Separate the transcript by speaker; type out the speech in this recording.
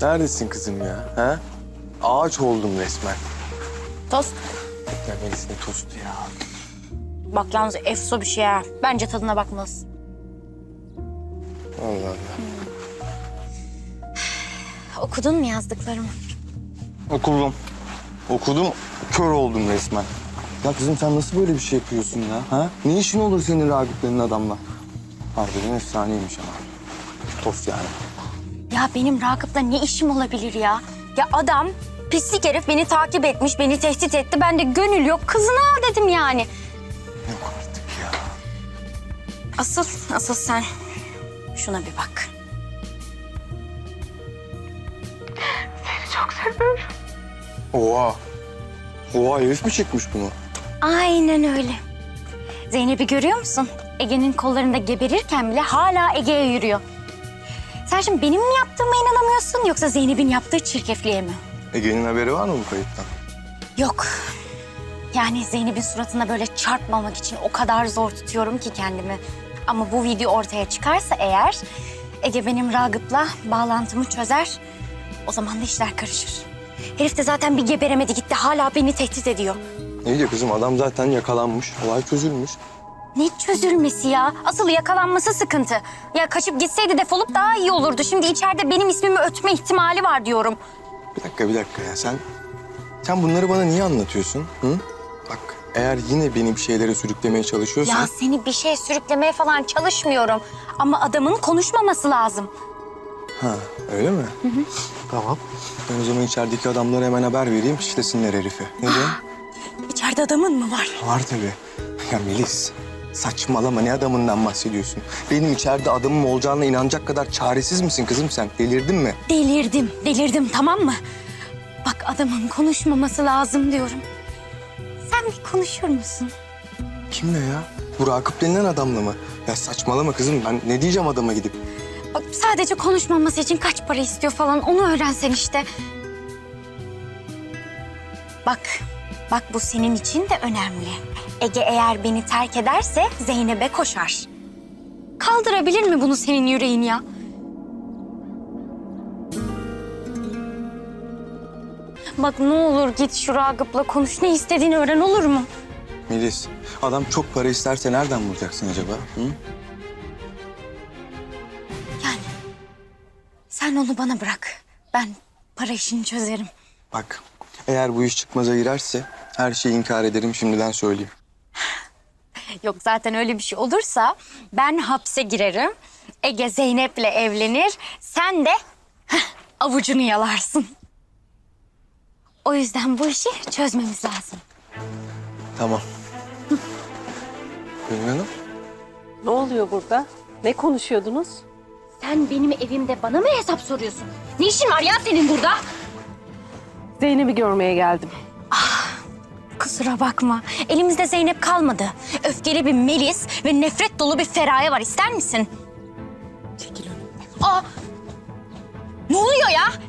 Speaker 1: Neredesin kızım ya? Ha? Ağaç oldum resmen.
Speaker 2: Tost.
Speaker 1: Ya Melis ne tostu ya?
Speaker 2: Bak yalnız efso bir şey ha. Bence tadına bakmalısın.
Speaker 1: Allah Allah.
Speaker 2: Okudun mu yazdıklarımı?
Speaker 1: Okudum. Okudum, kör oldum resmen. Ya kızım sen nasıl böyle bir şey yapıyorsun ya? Ha? Ne işin olur senin Ragıp'lerin adamla? Harbiden efsaneymiş ama. Tost yani.
Speaker 2: Ya benim Ragıp'la ne işim olabilir ya? Ya adam pislik herif beni takip etmiş, beni tehdit etti. Ben de gönül yok, kızını al dedim yani.
Speaker 1: Yok artık ya.
Speaker 2: Asıl sen şuna bir bak.
Speaker 1: Oha. Oha herif mi çekmiş bunu?
Speaker 2: Aynen öyle. Zeynep'i görüyor musun? Ege'nin kollarında geberirken bile hala Ege'ye yürüyor. Sen şimdi benim mi yaptığıma inanamıyorsun yoksa Zeynep'in yaptığı çirkefliğe mi?
Speaker 1: Ege'nin haberi var mı bu kayıttan?
Speaker 2: Yok. Yani Zeynep'in suratına böyle çarpmamak için o kadar zor tutuyorum ki kendimi. Ama bu video ortaya çıkarsa eğer Ege benim Ragıp'la bağlantımı çözer. O zaman da işler karışır. Herif de zaten bir geberemedi gitti. Hala beni tehdit ediyor.
Speaker 1: Ne diyor kızım? Adam zaten yakalanmış. Olay çözülmüş.
Speaker 2: Ne çözülmesi ya? Asıl yakalanması sıkıntı. Ya kaçıp gitseydi defolup daha iyi olurdu. Şimdi içeride benim ismimi ötme ihtimali var diyorum.
Speaker 1: Bir dakika ya. Sen bunları bana niye anlatıyorsun? Hı? Bak eğer yine beni bir şeylere sürüklemeye çalışıyorsan...
Speaker 2: Ya seni bir şey sürüklemeye falan çalışmıyorum. Ama adamın konuşmaması lazım.
Speaker 1: Ha öyle mi? Hı. Tamam. Ben o zaman içerideki adamlara hemen haber vereyim, şişlesinler herifi. Ne diyorsun?
Speaker 2: İçeride adamın mı var?
Speaker 1: Var tabii. Ya Melis, saçmalama, ne adamından bahsediyorsun? Benim içeride adamım olacağına inanacak kadar çaresiz misin kızım sen? Delirdin mi?
Speaker 2: Delirdim tamam mı? Bak adamın konuşmaması lazım diyorum. Sen bir konuşur musun?
Speaker 1: Kimle ya? Bu Ragıp denilen adamla mı? Ya saçmalama kızım, ben ne diyeceğim adama gidip?
Speaker 2: Bak sadece konuşmaması için kaç para istiyor falan onu öğrensen işte. Bak bu senin için de önemli. Ege eğer beni terk ederse Zeynep'e koşar. Kaldırabilir mi bunu senin yüreğin ya? Bak ne olur git şu Ragıp'la konuş. Ne istediğini öğren olur mu?
Speaker 1: Melis, adam çok para isterse nereden bulacaksın acaba? Hı?
Speaker 2: Yani sen onu bana bırak. Ben para işini çözerim.
Speaker 1: Bak, eğer bu iş çıkmaza girerse her şeyi inkar ederim, şimdiden söyleyeyim.
Speaker 2: Yok zaten öyle bir şey olursa ben hapse girerim. Ege Zeynep'le evlenir. Sen de avucunu yalarsın. O yüzden bu işi çözmemiz lazım.
Speaker 1: Tamam. Gönül Hanım?
Speaker 3: Ne oluyor burada? Ne konuşuyordunuz?
Speaker 2: Sen benim evimde bana mı hesap soruyorsun? Ne işin var ya senin burada?
Speaker 3: Zeynep'i görmeye geldim.
Speaker 2: Kusura bakma. Elimizde Zeynep kalmadı. Öfkeli bir Melis ve nefret dolu bir Feraye var. İster misin?
Speaker 3: Çekil önümden.
Speaker 2: Aa! Ne oluyor ya?